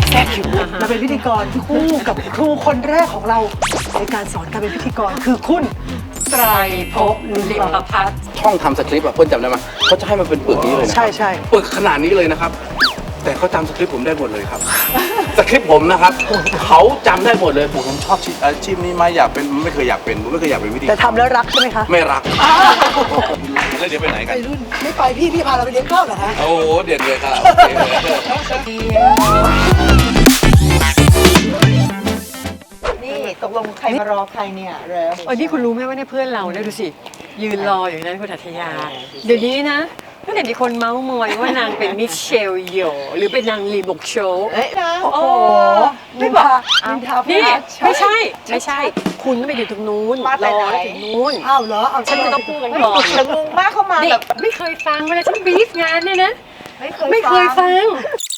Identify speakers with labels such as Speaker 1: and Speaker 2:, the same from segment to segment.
Speaker 1: แทรกคิวมาเป็นพิธีกรคู่กับครูคนแรกของเราในการสอนการเป็นพิธีกรคือคุณไตรภพลิมประพัฒน์
Speaker 2: ช่องทำสคริปต์อะเพื่อนจำได้ไหมเขาจะให้มันเป็นปึกนี้เลยนะ
Speaker 1: ใช่ใช่
Speaker 2: ปึกขนาดนี้เลยนะครับ แต่เขาจำสคริปต์ผมได้หมดเลยครับ สคริปต์ผมนะครับเขาจำได้หมดเลยผมชอบอาชีพนี้ไหมอยากเป็นไม่เคยอยากเป็นผมไม่เคยอยากเป็นวิธี
Speaker 1: แต่ทำแล้วรักใช่ไหมคะ
Speaker 2: ไม่รักแล้วเดี๋ยวไปไหนกัน
Speaker 1: ไปรุ่นไม่ไปพี่พาเราไปเลี้ยงข้าวเหรอคะ
Speaker 2: โอ้โหเด็ดเลยครับ
Speaker 3: นี่ตกลงใครมารอใครเนี่ยเร็ว
Speaker 4: อันนี้คุณรู้ไหมว่าเนี่ยเพื่อนเราเนี่ยดูสิยืนรออยู่นั้นคุณอัธยาเดี๋ยวนี้นะตั้งแต่มีคนเมาส์มอยว่านางเป็นมิเชลโยหรือเป็นนางลีบกโชว์
Speaker 3: เอ้ยนะ
Speaker 4: โอ้โห
Speaker 1: ไม่บอกนินทา
Speaker 4: นี่ไม่ใช่ คุณต้องไปอยู่ตรงนู้นรอแล้วถึงนู้น
Speaker 1: อ้าวเหรอเอา
Speaker 4: ฉันจะต้องพูดกันก่อน
Speaker 3: แต่งงมากเข้ามา
Speaker 4: นี่
Speaker 3: แบบ
Speaker 4: ไม่เคยฟังเวลาฉันบรีฟงานเนี่ยนะ
Speaker 3: ไม่
Speaker 4: ไม่เคยฟัง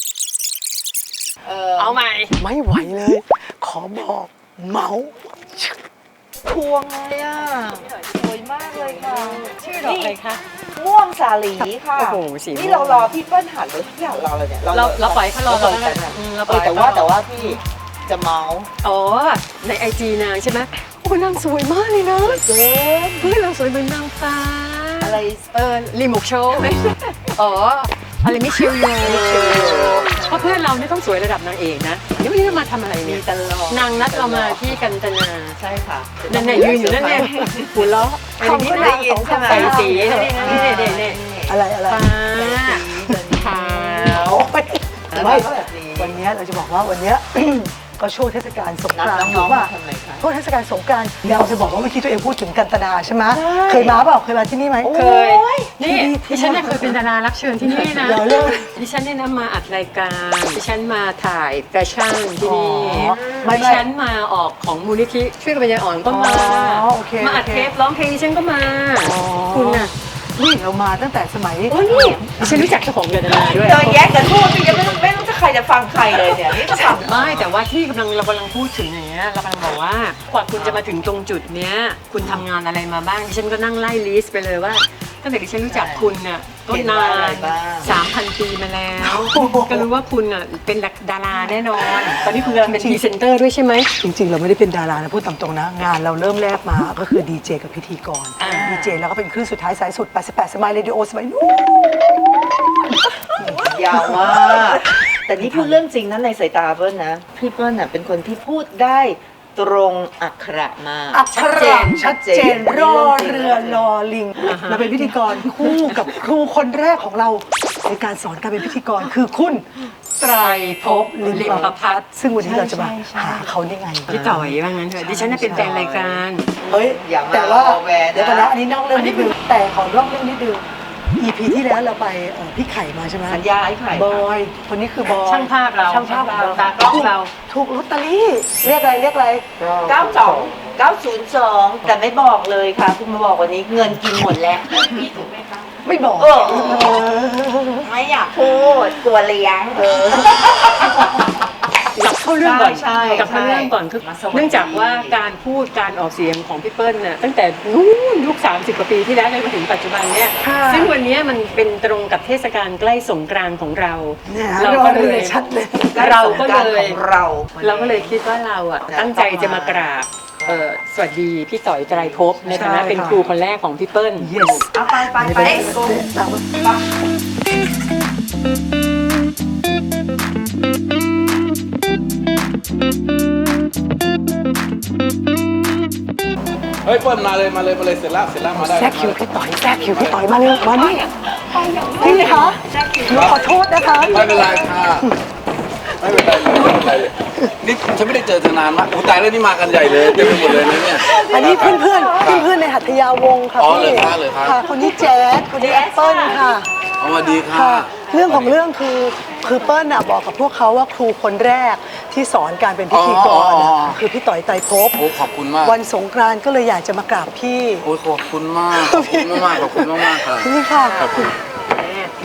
Speaker 4: เอาใหม่
Speaker 1: ไม่ไหวเลย ขอบอกเมาส์
Speaker 3: พวงเลยอ่ะสวยมากเลยค่ะ
Speaker 4: ชื่อดอกอะไรคะ
Speaker 3: ม่วงสาลีค่ะ
Speaker 4: โอ้โหสีม่วง
Speaker 3: นี่เรารอพี่เปิ้ลหันเลยพี่หันรอเลยเนี่ย
Speaker 4: เราปล่อยให้เขารอ
Speaker 3: เรา
Speaker 4: เรา
Speaker 3: เปิด
Speaker 4: ได้
Speaker 3: กันอะ
Speaker 4: เราปล่อย
Speaker 3: แต่ว่าพี่จะเมาส์
Speaker 4: อ๋อในไอจีนางใช่ไหมโอ้นางสวยมากเลยนะ
Speaker 3: เจ๊
Speaker 4: เพื่อนเราสวยเหมือนนางฟ้า
Speaker 3: อะไร
Speaker 4: รีโมกโชว์ไหมอ๋อ อะไรไม่เชียวโยเพราะเพื่อนเราเนี่ยต้องสวยระดับนางเอกนะเดี๋ยววันนี้เรามาทำอะไร
Speaker 3: มี
Speaker 4: เนี่ย
Speaker 3: ตลอด
Speaker 4: นางนัดเรามาที่กันตนา
Speaker 3: ใช่ค่ะ
Speaker 4: นั่นเนี่ยยืนอยู่นั่นเนี่ยหัวเราะ
Speaker 3: ทำก็ได้ยินใช่ไหม
Speaker 4: ใส่สีนี่
Speaker 1: อะไร
Speaker 4: ฟ้าขาว
Speaker 1: ไม่
Speaker 3: ก็แบบนี้
Speaker 1: วันนี้เราจะบอกว่าวันนี้ ก็ช่วงเทศกาลสง
Speaker 3: นัด
Speaker 1: กรานต์
Speaker 3: น้องๆ
Speaker 1: ว่า
Speaker 3: มาทำอะไรคะ
Speaker 1: ช่วงเทศกาลสงกรานต์เราจะบอกว่าเมื่อกี้ตัวเองพูดถึงกันตนาใช่ไหม
Speaker 3: ใช่
Speaker 1: เคยมาเปล่าเคยมาที่นี่ไหม
Speaker 4: เคย นี่
Speaker 1: ที่
Speaker 4: ดิฉันเนี่ยเคยเป็นดารารับเชิญที่นี่นะ
Speaker 1: เดี๋ยวเรื่อง
Speaker 4: ดิฉันเนี่ยนะมาอัดรายการดิฉันมาถ่ายแฟชั่นที่นี่
Speaker 1: อ๋อไม่
Speaker 4: ดิฉันมาออกของมูลนิธิช่วยกันปัญญาอ่อนก็มา
Speaker 1: อ๋อโอเค
Speaker 4: มาอัด
Speaker 1: โอเค
Speaker 4: เทปร้องเพลงดิฉันก็มา
Speaker 1: อ๋อ
Speaker 4: คุณน่ะ
Speaker 1: นี่เรามาตั้งแต่สมัย
Speaker 4: โอ้นี่ดิฉันรู้จักเจ้าของเดือนดาราด้วย
Speaker 3: เจอแยกกันพูดพี่ยังไม่รู้จะใครจะฟังใครเลยเนี่ยนี่จะฟัง
Speaker 4: ไม่แต่ว่าที่เรากำลังพูดถึงอย่างเงี้ยเรากำลังบอกว่ากว่าคุณจะมาถึงตรงจุดเนี้ยคุณทำงานอะไรมาบ้างดิฉันก็นั่งไล่ลิสต์ไปเลยว่าตั้งแต่ดิฉันรู้จักคุณน่ะก็นาน 3,000 ปีมาแล้ว ก็รู้ว่าคุณอ่ะเป็นดาราแน่นอน ตอนนี้คุณกำลังเป็นพรีเซนเตอร์ด้วยใช่ไหม
Speaker 1: จริงๆ เราไม่ได้เป็นดารานะพูดตามตรงนะ งานเราเริ่มแรกมาก็คือดีเจกับพิธีกร
Speaker 4: อ่า
Speaker 1: ดีเจแล้วก็เป็นคลื่นสุดท้ายสายสุด 88 สมัยเรดิโอสมัยนู้น
Speaker 3: ยาวมากแต่นี่พูดเรื่องจริงนะในสายตาเปิ้ลนะพี่เปิ้ลน่ะเป็นคนที่พูดได้ตรงอักขระมาก
Speaker 1: อักขระชัดเจนรอเรือรอลิงมาเป็นพิธีกรคู่กับครูคนแรกของเราในการสอนการเป็นพิธีกรคือคุณไตรภพลิมประพัฒน์ซึ่งวันนี้เราจะมาหาเขาได้ไง
Speaker 4: พี่ต่อยว่างั้นเถอะดิฉันน่ะเป็นแฟนรายการ
Speaker 1: เฮ้ย
Speaker 3: อย่ามา
Speaker 1: แต่ว่า
Speaker 3: เอาแหวนนะ
Speaker 1: เดี๋ยวก่อนนะอันนี้นอกเรื่องนิดนึงแต่ขอนอกเรื่องนิดนึง EP ที่แล้วเราไปพี่ไข่มาใช่ไหม
Speaker 3: สัญญาไอ้ไข่
Speaker 1: บอยคนนี้คือบอย
Speaker 4: ช่างภาพเรา
Speaker 1: ช่างภาพของเรา
Speaker 4: ตากล้องเรา
Speaker 1: ถูกลอตเตอรี่เรียกอะไร
Speaker 3: 902 แต่ไม่บอกเลยค่ะคุณมาบอกวันนี้เงินกินหมดแล้ว
Speaker 1: ไม่บอก
Speaker 3: เออ ไม่อยากพูดกลัวเลี้ยง
Speaker 4: กลับเข้าเรื่องก่อน
Speaker 3: ใช่
Speaker 4: กลับเข้าเรื่องก่อนคือ
Speaker 3: มาสวัสดี
Speaker 4: เนื่องจากว่าการพูดการออกเสียงของพี่เปิ้ลน่ะตั้งแต่นู้นยุค30 กว่าปีที่แล้วจนมาถึงปัจจุบันเนี่ย
Speaker 1: ค่ะ
Speaker 4: ซึ่งวันนี้มันเป็นตรงกับเทศกาลใกล้สงกรานต์ของเรา
Speaker 1: เนี่ย
Speaker 4: เรา
Speaker 1: รอ
Speaker 4: ก็
Speaker 1: เรื
Speaker 4: เล
Speaker 1: อย ชัดเลย
Speaker 4: เราก็เลย
Speaker 3: ของเรา
Speaker 4: เราก็เลยคิดว่าเราอ่ะตั้งใจจะมากราบสวัสดีพี่ต่อยไตรภพในฐานะเป็นครูคนแรกของพี่เปิ้ล
Speaker 1: yes
Speaker 3: เอาไป
Speaker 1: ตามมา
Speaker 2: เฮ้ยเปิ้ลมาเลยเสร็จแล้วมาได้
Speaker 1: แทรกคิวพี่ต่อยแทรกคิวพี่ต่อยมาเร็วมานี่พี่คะหนูขอโทษนะคะ
Speaker 2: ไม่เป็นไรค่ะไม่เป็นไรเลยนี่ฉันไม่ได้เจอเธอนานมากโอ้ตายแล้วนี่มากันใหญ่เลยเต็มไปหมดเลยนะเนี่ย
Speaker 1: อันนี้เพื่อนในหัตถยาวงศ์ค่ะ
Speaker 2: อ๋อ
Speaker 1: พี่
Speaker 2: เลยครับ
Speaker 1: ค่ะคนนี้แจ๊สคนนี้แอปเปิ้ลค่ะ
Speaker 2: เอามาดีค่ะ
Speaker 1: ค่ะเรื่องของเรื่องคือเปิ้ลน่ะบอกกับพวกเขาว่าครูคนแรกที่สอนการเป็นพิธีกรน่ะคือพี่ต่อยไตรภพ
Speaker 2: โอ้ขอบคุณมาก
Speaker 1: วันสงกรานต์ก็เลยอยากจะมากราบพี่
Speaker 2: โอ้ยขอบคุณมากค่ะ
Speaker 1: นี่ค่ะ
Speaker 2: ขอบคุณ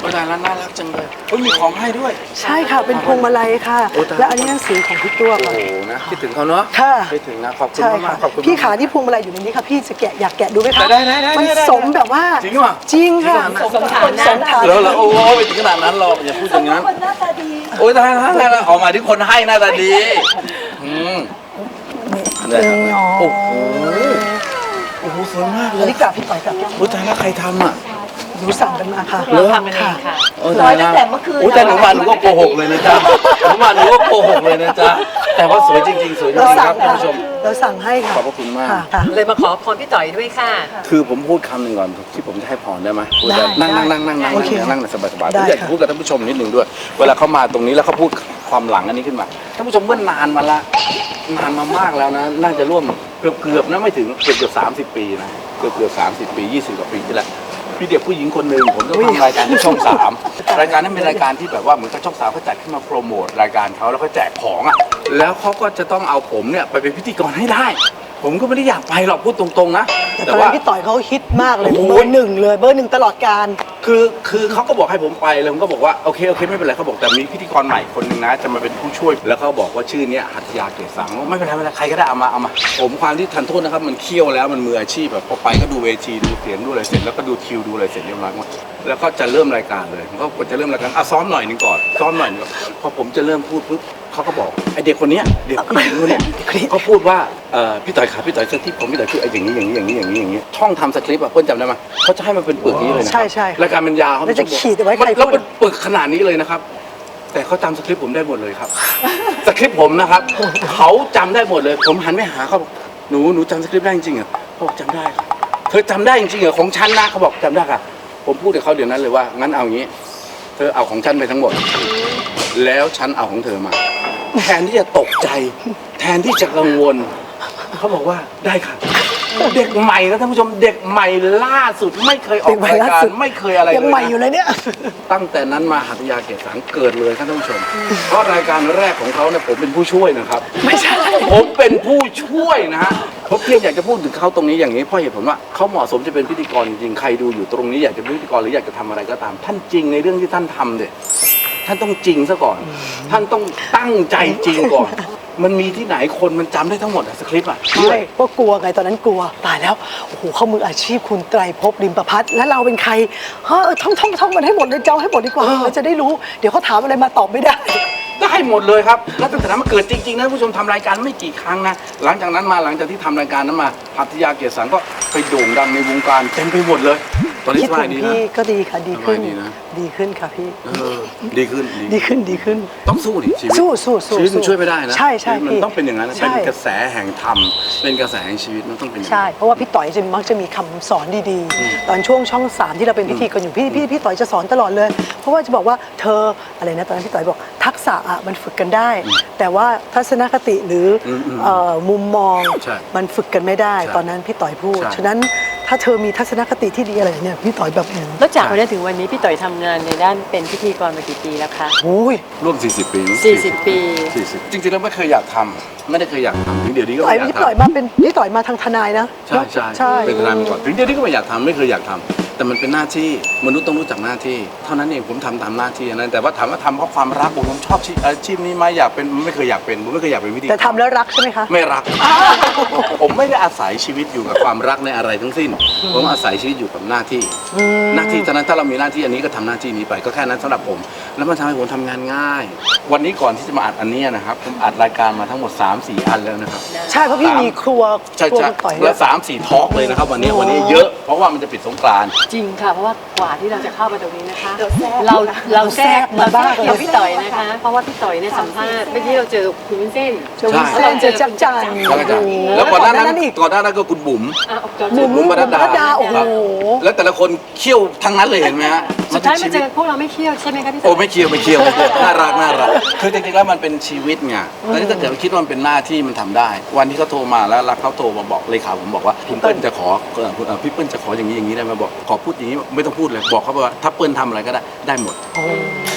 Speaker 2: โอ้ตายแล้วน่ารักจังเลยเฮ้ยมีของให้ด้วย
Speaker 1: ใช่ค่ะเป็นพวงมาลัยค่ะ
Speaker 2: โอ้ตาย
Speaker 1: และอันนี้หนังสือของพี่ตัว
Speaker 2: โอ้
Speaker 1: ค่ะ
Speaker 2: โหนะคิดถึงเขาเนาะ
Speaker 1: ค่ะ
Speaker 2: คิดถึงนะขอบคุณ
Speaker 1: ใช่
Speaker 2: มา
Speaker 1: ค่ะ
Speaker 2: กๆขอบคุณ
Speaker 1: พี่ขา
Speaker 2: มา
Speaker 1: ที่พวงมาลัยอยู่ในนี้ค่ะพี่จะแกะอยากแกะดูไหมคะ
Speaker 2: ได้
Speaker 1: มันสมแบบว่า
Speaker 2: จริงป่ะ
Speaker 1: จริงค่ะ
Speaker 4: สมฐานะ
Speaker 1: สมฐา
Speaker 2: แล้ว
Speaker 1: นะ
Speaker 2: เหรอโอ้ยไปถึงขนาดนั้นหรอกอย่าพูดอย่างนั้น
Speaker 3: คนหน้าตาดี
Speaker 2: โอ้ยตายแล้วออกมาที่คนให้หน้าตาดีอืมได้ครับโอ้โหโอ้โหสวยมากเล
Speaker 1: อัน
Speaker 2: ย
Speaker 1: นี้กลับพี่ต่อยกลับ
Speaker 2: โอ้ยตายแล้วใครทำอ่ะ
Speaker 1: หนูสั่งกันมาค่ะ
Speaker 4: เราทำกันเองค่ะ
Speaker 2: โอ้ย
Speaker 3: ร้อย
Speaker 2: ตาย
Speaker 3: ตั้
Speaker 2: แล้ว
Speaker 3: งแต่เมื่อคืน
Speaker 2: โอ้ยแต่หนูมาหนูก็โกหกเลยนะจ๊ะหนูมาหนูก็โกหกเลยนะจ๊ะแต่ว่าสวยจริงๆสวยจริ
Speaker 1: เรา
Speaker 2: งๆค
Speaker 1: สั่
Speaker 2: รั
Speaker 1: ง
Speaker 2: บท่าน
Speaker 1: ค่ะ
Speaker 2: ผู้ชม
Speaker 1: เราสั่งให้ค่ะ
Speaker 2: ขอบพระคุณมาก
Speaker 1: ค่ะ
Speaker 4: เลยมาขอพรพี่ต่อยด้วยค่ะ
Speaker 2: คือผมพูดคำหนึ่งก่อนที่ผมจะให้พรได้ไหมพูด
Speaker 1: ได้
Speaker 2: นั่ง
Speaker 1: ได้
Speaker 2: นั่ง
Speaker 1: โอเค
Speaker 2: นั่งสบายสบายๆ
Speaker 1: ได้
Speaker 2: ผมอยากจะ
Speaker 1: ค่ะ
Speaker 2: พูดกับท่านผู้ชมนิดหนึ่งด้วย เวลาเขามาตรงนี้แล้วเขาพูดความหลังอันนี้ขึ้นมาท่านผู้ชมเมื่อนานมาละนานมามากแล้วนะน่าจะร่วมเกือบนะไม่ถึงเกือบ30 ปีนะเกือบ30 ปี 20 กว่าปีที่แล้วพี่เด็กผู้หญิงคนหนึ่งผมต้องทำรายการที่ช่อง3รายการนั้นเป็นรายการที่แบบว่าเหมือนกับช่อง3เขาจัดขึ้นมาโปรโมทรายการเขาแล้วก็แจกของอ่ะแล้วเขาก็จะต้องเอาผมเนี่ยไปเป็นพิธีกรให้ได้ ผมก็ไม่ได้อยากไปหรอกพูดตรงๆนะ
Speaker 1: แต่ตอนนั้นพี่ต่อยเขาฮิตมากเลย
Speaker 2: โอ้โห
Speaker 1: เบอร์หนึ่งเลยเบอร์หนึ่งตลอดการ
Speaker 2: คือเขาก็บอกให้ผมไปเลยผมก็บอกว่าโอเคไม่เป็นไรเขาบอกแต่มีพิธีกรใหม่คนหนึ่งนะจะมาเป็นผู้ช่วยแล้วเขาบอกว่าชื่อเนี้ยหัตถยาเกศสังไม่เป็นไรใครก็ได้เอามาผมความที่ทันโทษนะครับมันเคี่ยวแล้วมันมืออาชีพแบบพอไปก็ดูเวทีดูเสียงดูอะไรเสร็จแล้วก็ดูคิวดูอะไรเสร็จเรียบร้อยหมดแล้วก็จะเริ่มรายการเลยผมก็จะเริ่มรายการซ้อมหน่อยหนึงก่อนซ้อมหน่อยหนึงก่อนพอผมจะเริ่มพูดปุ๊บเขาก็บอกไอเด็กคนเนี้ยเด็กผู้หญิงคนเนี้ยเขาพูดว่าพี่ต่อยครับพี่ต่อยสคริปต์ผมพี่ต่อยคือไออย่างนี้ช่องทำสคริปต์อะเพื่อนจำได้ไหมเขาจะให้มันเป็นปึกนี้เลยนะ
Speaker 1: ใช่ใช่
Speaker 2: รายการมันยาวครับ
Speaker 1: แล้วจะขีดเอาไว้ใครพูด
Speaker 2: แล้วเป็นปึกขนาดนี้เลยนะครับ แต่เขาจำสคริปต์ผมได้หมดเลยครับ สคริปต์ผมนะครับ เขาจำได้หมดเลย ผมหันไปหาเขาบอกหนูจำสคริปต์ได้จริงๆเหรอเขาบอกจำได้ค่ะเธอจำได้จริงๆเหรอของฉันนะเขาบอกจำได้ค่ะ ผมพูดกับเขาเดี๋ยวนั้นเลยว่างั้นเอางี้ เธอเอาของฉันไปทั้งหมด แล้วฉันเอาของเธอมา แทนที่จะตกใจ แทนที่จะกังวล เขาบอกว่าได้ค่ะ เด็กใหม่นะท่านผู้ชมเด็กใหม่ล่าสุดไม่เคยออกรายการไม่เคยอะไรเลย
Speaker 1: ยังใหม่อยู่
Speaker 2: นะ
Speaker 1: เลยเนี่ย
Speaker 2: ตั้งแต่นั้นมาหัตถยาเกศสังเกิดเลยครับท่านผู้ชม เพราะรายการแรกของเขาเนี่ยผมเป็นผู้ช่วยนะครับ
Speaker 1: ไม่ใช่
Speaker 2: ผมเป็นผู้ช่วยนะฮะผมเพียงอยากจะพูดถึงเขาตรงนี้อย่างนี้เพราะเหตุผลว่าเขาเหมาะสมจะเป็นพิธีกรจริงๆใครดูอยู่ตรงนี้อยากจะเป็นพิธีกรหรืออยากจะทำอะไรก็ตาม ท่านจริงในเรื่องที่ท่านทำเด็ท่านต้องจริงซะก่อน ท่านต้องตั้งใจจริงก่อน มันมีที่ไหนคนมันจำได้ทั้งหมดอะสคริปต์อะ
Speaker 1: ใช่ก็กลัวไงตอนนั้นกลัวตายแล้วโอ้โหเขามืออาชีพคุณไตรภพริมประพัฒน์แล้วเราเป็นใครเฮ้ยท่องมันให้หมดเลยเจ้าให้หมดดีกว่าเราจะได้รู้เดี๋ยวเขาถามอะไรมาตอบไม่ได้
Speaker 2: ได้หมดเลยครับแล้วตั้งแต่นั้นมาเกิดจริงๆนะผู้ชมทำรายการไม่กี่ครั้งนะหลังจากนั้นมาหลังจากที่ทำรายการนั้นมาหัตถยาเกศสังก็ไปโด่งดังในวงการเต็มไปหมดเลย ตอนนี้
Speaker 1: คิด
Speaker 2: ส
Speaker 1: ถึ
Speaker 2: บาย
Speaker 1: ง
Speaker 2: ดีนะ
Speaker 1: พี่ก็ดีค่ะดีขึ้น
Speaker 2: สบายดีนะ
Speaker 1: ดีขึ้นค่ะพี่
Speaker 2: ดีขึ้น
Speaker 1: ดีขึ้น
Speaker 2: ต้องสู้ดิชีวิต
Speaker 1: สู้
Speaker 2: ชีวิตมันช่วยไม่ได้นะ
Speaker 1: ใช่ใช่
Speaker 2: มัน
Speaker 1: พี่
Speaker 2: ต้องเป็นอย่างนั้นนะ
Speaker 1: ใช่
Speaker 2: เป็นกระแสแห่งธรรมเป็นกระแสแห่งชีวิตมันต้องเป็นอย่าง
Speaker 1: ใช่
Speaker 2: นั้น
Speaker 1: เพราะว่าพี่ต่อยจะมักจะมีคำสอนดีๆ ตอนช่วงช่อง 3 ที่เราเป็นพิธีกรอยู่พี่ต่อยจะสอนตลอดเลย เพราะว่าจะบอกว่าเธออะไรนะตอนนั้นพี่ต่อยบอกทักษะอะมันฝึกกันได้ แต่ว่าทัศนคติหรือมุมมอง
Speaker 2: ใช่
Speaker 1: มันฝึกกันไม่ได้
Speaker 2: ใช่
Speaker 1: ตอนนั้นพี่ต่อยพูด
Speaker 2: ใช่
Speaker 1: ฉะนั้นถ้าเธอมีทัศนคติที่ดีอะไรเนี่ยพี่ต่อยแบบ
Speaker 4: แล้วจากวันนั้นถึงวันนี้พี่ต่อยทำงานในด้านเป็นพิธีกรมากี่ปีแล้วคะ
Speaker 1: โอ้ย
Speaker 2: ร่วม 40 ปี
Speaker 4: 40 ปี
Speaker 2: 40จริงๆแล้วไม่เคยอยากทำไม่ได้เคยอยากทำถึงเดี๋ยวนี้ก็
Speaker 1: ต่อย
Speaker 2: ไม่อยาก
Speaker 1: พี่ต่อย
Speaker 2: ทำ
Speaker 1: มาเป็นพี่ต่อยมาทางทนายนะ
Speaker 2: ใช่ใช่
Speaker 1: ใช่
Speaker 2: เป็นทนายมาก่อนถึงเดี๋ยวนี้ก็ไม่อยากทำไม่เคยอยากทำแต่มันเป็นหน้าที่มนุษย์ต้องรู้จักหน้าที่เท่านั้นเองผมทำตามหน้าที่นั้นแต่ว่าถามว่าทำเพราะความรักผมชอบอาชีพนี้ไหมอยากเป็นไม่เคยอยากเป็นผมไม่เคยอยากเป็นพิธีกร
Speaker 1: แต่ทำแล้วรักใช่ไหมคะ
Speaker 2: ไม่รัก ผมไม่ได้อาศัยชีวิตอยู่กับความรักในอะไรทั้งสิ้น ผมอาศัยชีวิตอยู่กับหน้าที่ หน้าที่ตอนนั้นถ้าเรามีหน้าที่อันนี้ก็ทำหน้าที่นี้ไปก็แค่นั้นสำหรับผม แล้วมันทำให้ผมทำงานง่าย วันนี้ก่อนที่จะมาอัดอันนี้นะครับผมอัดรายการมาทั้งหมด 3-4 อันแล้วนะครับ
Speaker 1: ใช่เพราะพี่มีครัว
Speaker 2: ใช่
Speaker 1: ครัว
Speaker 2: ใช่
Speaker 1: คุณต่อย
Speaker 2: แล้ว3-4 ทอล์กเลยนะครับวันนี้เยอะเพราะว่ามันจะปิดสงกรานต์
Speaker 4: จริงค่ะ เพราะว่ากว่าที่เราจะเข้ามาตรงนี้นะคะ
Speaker 3: เรา
Speaker 4: เราแทรกเกี่ยวพี่ต่อยนะคะ เพราะว่าพี่ต่อยเนี่ยสัมภาษณ์เมื่อกี้เราเจอคุณวุ้นเส้น
Speaker 1: เจอวุ้นเส้นเจอจักรจันทร์
Speaker 2: แล้วก็จะ
Speaker 1: โอ้โห
Speaker 2: แล้วก่อนหน้านั้น
Speaker 1: อีก
Speaker 2: ก่อนหน้านั้นก็คุณบุ๋ม
Speaker 4: อ่ะออกจอ
Speaker 1: บุ๋ม
Speaker 2: บุ๋มปนัดดา
Speaker 1: โอ้โห
Speaker 2: ครับแล้วแต่ละคนเขี้ยวทั้งนั้นเลยเห็นไหมฮะ
Speaker 4: สุดท้าย
Speaker 2: น
Speaker 4: มา
Speaker 2: เป็น
Speaker 4: เจ
Speaker 2: ชี
Speaker 4: อ
Speaker 2: วิต
Speaker 4: พวกเราไม่เที่ยวใช่ไหมคะพี่ต่
Speaker 2: โอ้
Speaker 4: อย
Speaker 2: ไม่เคียวน่ารักคือจริงๆแล้วมันเป็นชีวิตไงแต่ถ้าเกิดคิดว่ามันเป็นหน้าที่มันทำได้ วันที่เขาโทรมาแล้วเขาโทรมาบอกเลขาผมบอกว่าคุณเปิ้ลจะขอพี่เปิ้ลจะขออย่างนี้ได้ไหมบอกขอพูดอย่างนี้ไม่ต้องพูดเลยบอกเขาว่าถ้าเปิ้ลทำอะไรก็ได้หมด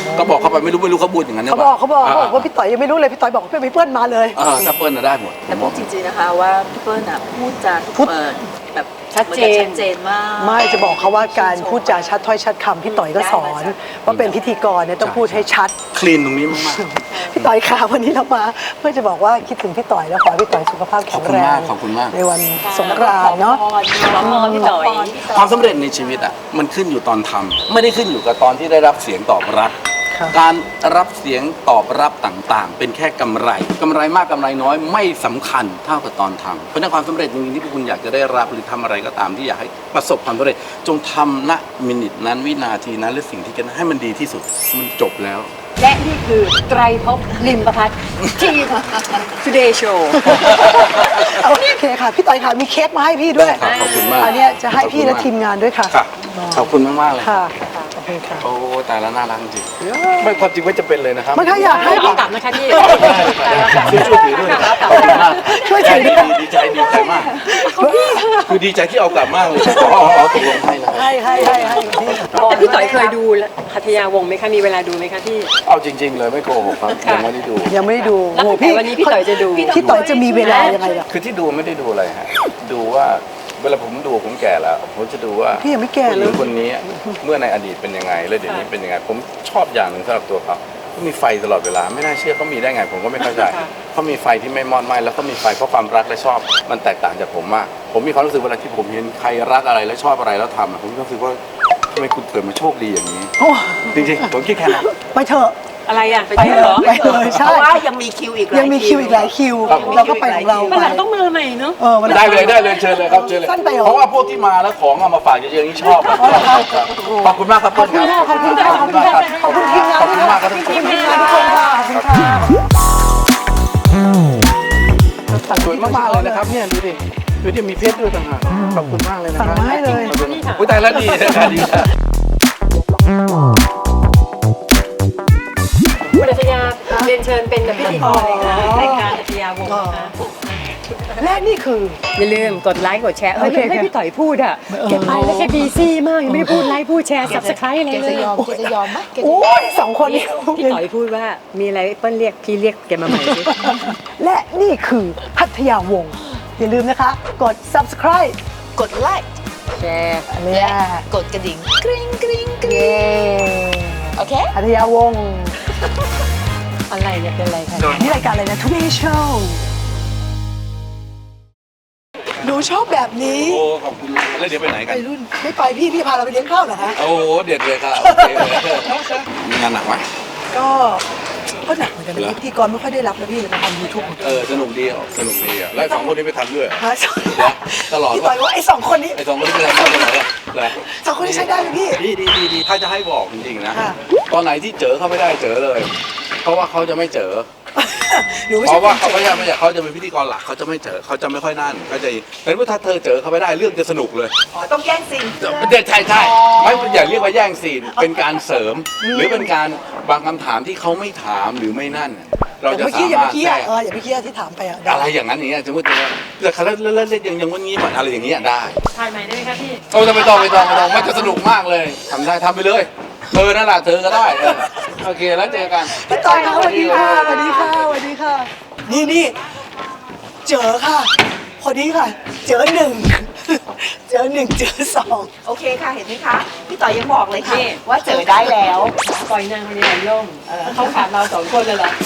Speaker 2: ก็บอกเขาไปไม่รู้เขาพูดอย่างนั้นหรื
Speaker 1: เขาบอกว่าพี่ต่อยยังไม่รู้เลยพี่ต่อยบอกว่าพี่เปิ้ลมาเลย
Speaker 2: ถ้าเปิ้ลน่ะได้หมด
Speaker 3: แต่พูดจริงๆนะคะว่าพี่เปิ้ลน่ะพูดจาทุกเปิดแบบ
Speaker 4: ชัดเจน
Speaker 3: ชัดเจนมาก
Speaker 1: ไม่จะบอกเขาว่าการพูดจาชัดถ้อยชัดคำพี่ต่อยก็สอนว่าเป็นพิธีกรเนี่ยต้องพูดให้ชัด
Speaker 2: คลีนตรงนี้มาก
Speaker 1: พี่ต่อยค่ะวันนี้เรามาเพื่อจะบอกว่าคิดถึงพี่ต่อยแล้วขอให้พี่ต่อยสุขภาพแข็งแรง
Speaker 2: ขอบคุณมาก
Speaker 1: ในวันสงกรานต์เนาะ
Speaker 4: น้องพี่ต่อย
Speaker 2: ความสำเร็จในชีวิตอ่ะมันขึ้นอยู่ตอนทำไม่ได้ขึ้นอยู่กับตอนที่ได้รับเสียงตอบรับ
Speaker 1: ครับ
Speaker 2: การรับเสียงตอบรับต่างๆ เป็นแค่กำไรมากกำไรน้อยไม่สำคัญเท่ากับตอนทำเพราะฉะนั้นความสำเร็จจริงๆที่พวกคุณอยากจะได้รับหรือทำอะไรก็ตามที่อยากให้ประสบความสำเร็จจงทำณมินินั้นวินาทีนั้นหรือสิ่งที่กันให้มันดีที่สุดมันจบแล้ว
Speaker 4: และนี่คือไตรภพลิมประพัฒน์ที่ Today Show
Speaker 1: โอเคค่ะพี่ต่อยค่ะมีเค้กมาให้พี่ด้วย
Speaker 2: ได้ครับขอบคุณมาก
Speaker 1: อันเนี้ยจะให้พี่และทีมงานด้วยค่ะ
Speaker 2: ค่ะขอบคุณมากๆเลย
Speaker 1: ค่ะขอบคุณค่ะ
Speaker 2: โอ้แต่ละน่ารักจริงไม่ความจริงไม่จะเป็นเลยนะครับ
Speaker 1: มันก็อยากให้
Speaker 4: เอากลับนะคะพี่
Speaker 2: ช่วยถือด้วยนะครับขอบคุณมาก
Speaker 1: ช่วยถือด้วย
Speaker 2: ดีใจมากคือดีใจที่เอากลับมากเลยตกลงให้นะครับ
Speaker 1: ให้พี่
Speaker 4: แต่พี่ต่อยเคยดูหัตถยาวงศ์ไหมคะ มีเวลาดูไหมคะพี่
Speaker 2: เอาจริง ๆ เลยไม่โกหกครับยังไม่ได้ดู
Speaker 1: ยังไม่ได้ดู
Speaker 4: แล้ว
Speaker 1: โอ้
Speaker 4: แต่วันนี้พี่ต่อยจะดู
Speaker 1: พี่ต่อยจะมีเวลายังไงล่ะ
Speaker 2: คือที่ดูไม่ได้ดูอะไรฮะดูว่าเวลาผมดูผมแก่แล้วผมจะดูว่า
Speaker 1: พี่ยังไม่แก่
Speaker 2: ผู้ห
Speaker 1: เล
Speaker 2: ญิ
Speaker 1: ย
Speaker 2: งคนนี้เมื่อในอดีตเป็นยังไงแล้วเดี๋ยวนี้เป็นยังไง ผมชอบอย่างหนึ่งสำหรับตัวเขาเขามีไฟตลอดเวลาไม่น่าเชื่อเขามีได้ไง ผมก็ไม่เข้าใจเขามีไฟที่ไม่มอดไหม้แล้วก็มีไฟเพราะความรักและชอบมันแตกต่างจากผมมากผมมีความรู้สึกเวลาที่ผมเห็นใครรักอะไรและชอบอะไรแล้วทำอะผมรู้สึกว่าทำไมคุณเกิดมาโชคดีอย่างนี้
Speaker 1: โอ้
Speaker 2: จริงๆผมคิดแค่นั้น
Speaker 1: ไปเถอะ
Speaker 4: อะไรอ่ะ ไป
Speaker 1: ไป
Speaker 4: เที่ยว
Speaker 1: เล
Speaker 4: เหรอย
Speaker 1: ไปเลย
Speaker 3: เพ
Speaker 1: ใช่
Speaker 3: ราะว่ายังมีคิวอีกหลาย
Speaker 1: ยังมีคิวอีกหลายคิว
Speaker 2: ครับ
Speaker 1: เราก็ไปของเรา
Speaker 4: มัน
Speaker 1: ไป
Speaker 4: หลังต้องมือใหม่เนาะ
Speaker 1: วันหลัง
Speaker 2: ได้เลยเชิญเลยครับเชิญเลย
Speaker 1: สั้นไปเหรอ
Speaker 2: เพราะว่าพวกที่มาแล้วของเอามาฝากเยอะๆนี่ชอบขอบคุณมากครับขอบคุณมาก
Speaker 1: ขอบคุณค่ะขอบคุณค่ะขอบคุณทีมงาน
Speaker 2: ขอบคุณมากครับ
Speaker 1: ขอบคุณทีมงานทุกคนค่ะขอบคุณค่ะ
Speaker 2: สวยมากๆเลยนะครับเนี่ยดูดิมีเพชรด้วยต่างหากขอบคุณมากเลยนะ
Speaker 1: สั่ง
Speaker 2: ครับ
Speaker 1: มาให้เลย
Speaker 2: อุ้ยตายแล้วดีนะครับดีครับ
Speaker 4: คุณหัตถยาเรียนเชิญเป็นพิธีกรเลยค่ะรายการหัตถยาวงศ์นะคะ
Speaker 1: และนี่คือ
Speaker 4: อย่าลืมกดไลค์กดแชร์
Speaker 1: โอเค
Speaker 4: ให้พี่ต่อยพูดอ่ะแกไปแล้วแกบีซี่มากยังไม่ได้พูดไลค์พูดแชร์ subscribe อะไรเลย
Speaker 3: จะยอมไหม
Speaker 1: โอ้ยสองคนนี้
Speaker 4: พี่ต่อยพูดว่ามีอะไรเปิ้ลเรียกพี่เรียกแกมาใหม่สิ
Speaker 1: และนี่คือพัทยาวงศ์อย่าลืมนะคะ กด subscribe
Speaker 3: กดไลค์
Speaker 4: แชร์
Speaker 1: เนี่ย
Speaker 3: กดกระดิ่งกริ๊งกริ๊งกริ๊ง
Speaker 1: เย้
Speaker 3: โอเค
Speaker 1: พัทยาวงศ์
Speaker 4: อะไรเนี่ยเป็นอะไรคะ
Speaker 1: นี่รายการอะไรนะ Today Show หนูชอบแบบนี้
Speaker 2: โอ้ขอบคุณแล้วเดี๋ยวไปไหนกัน
Speaker 1: ไปรุ่นไม่ไปพี่พาเราไปเลี้ยงข้าวเหรอคะ
Speaker 2: โอ้เด็ดเลยครับโอเคเลยมีงานหนักไหม
Speaker 1: ก็หนักเหมือนกันนะพิธีกรไม่ค่อยได้รับนะพี่เลยมาทำยูทูบ
Speaker 2: สนุกดีแล้วสองคนนี้ไปทำด้วย
Speaker 1: ฮะ
Speaker 2: ตลอด
Speaker 1: พี่ต่อยว่าไอ้สองคนนี้
Speaker 2: ไอ้สองคนนี้ไปทำด้วยเหรอ
Speaker 1: สองคนนี้ใช้ได้ไหมพี่
Speaker 2: ดีถ้าจะให้บอกจริงๆนะ
Speaker 1: ค่ะ
Speaker 2: ตอนไหนที่เจอเขาไม่ได้เจอเลย เพราะว่าเขาจะไม่เจอ
Speaker 1: หนูไม่
Speaker 2: เพ
Speaker 1: ใช่
Speaker 2: ราะว่าเขาไม่ใช่เขาจะเป็นพิธีกรหลักเขาจะไม่เจอเขาจะไม่ค่อยนั่นเขาจะแต่ว่าถ้าเธอเจอเขาไม่ได้เรื่องจะสนุกเลย
Speaker 3: อ๋อต้องแย่งซีน
Speaker 2: ใช่ไม่อย่าเรียกว่าแย่งซีนเป็นการเสริม หรือเป็นการบางคำถามที่เขาไม่ถามหรือไม่นั่น เราจะ
Speaker 1: อย่าไป
Speaker 2: สา
Speaker 1: คิดอย่าไป
Speaker 2: มารถ
Speaker 1: คิด
Speaker 2: แทรก
Speaker 1: อย่าไปคิดที่ถามไปอ่ะ
Speaker 2: อะไรอย่างนั้นอย่างเงี้ยสมมติว่าแต่เขาเล่นยังวันนี้เหมือนอะไรอย่างเงี้ยได้
Speaker 4: ถ่ายใหม่ได้ไหมคะพี่
Speaker 2: โอ้จะไม่ต้องมันจะสนุกมากเลยทำได้ทำไปเลยเธอนั่นแหละเธอก็ได้โอเคแล้วเจอกัน
Speaker 1: พี่ต่อยค่ะสวัสดีค่ะสวัสดีค่ะนี่เจอค่ะพอดีค่ะ เจอหนึ่งเจอสอง
Speaker 3: โอเคค่ะ เห็นไหมคะ พี่ต่อยยังบอกเลยค่ะ
Speaker 4: นี่
Speaker 3: ว่าเจอได้แล้ว
Speaker 4: ปล่อยนางคนนี้ไหลล่มเขาขาดเราสองคนเลยเหรอ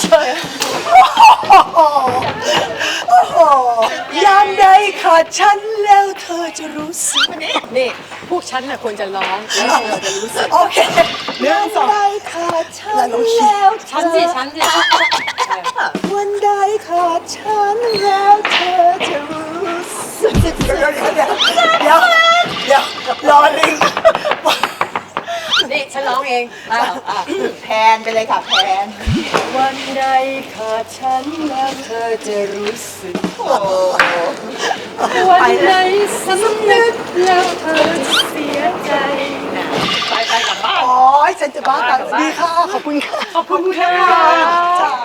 Speaker 1: โอ้โหยามใดขาดฉันแล้วเธอจะรู้สึก
Speaker 4: นี่พวกฉันน่ะควรจะร้องแล้วเราจะรู้สึก
Speaker 1: โอเคเรื่องสอง
Speaker 3: ได้ขาดฉัน
Speaker 1: แล้วเราคิด
Speaker 3: แล้ว
Speaker 4: ฉันสิ
Speaker 3: วันใดขาดฉันแล้วเธอจะรู้สึก
Speaker 1: เดี๋ยวรอลิง
Speaker 4: นี่ฉันร้องเอง
Speaker 3: แพนไปเลยค่ะแพน
Speaker 4: วันใดขาดฉันแล้วเธอจะรู้สึก
Speaker 3: โอ้
Speaker 4: วันใดสำนึกแล้วเธอจะเสียใจไปกลับบ้าน
Speaker 1: อ๋อฉันจะบ้าตายดีค่ะขอบคุณค่ะ
Speaker 4: ขอบคุณค่ะ
Speaker 1: จ้า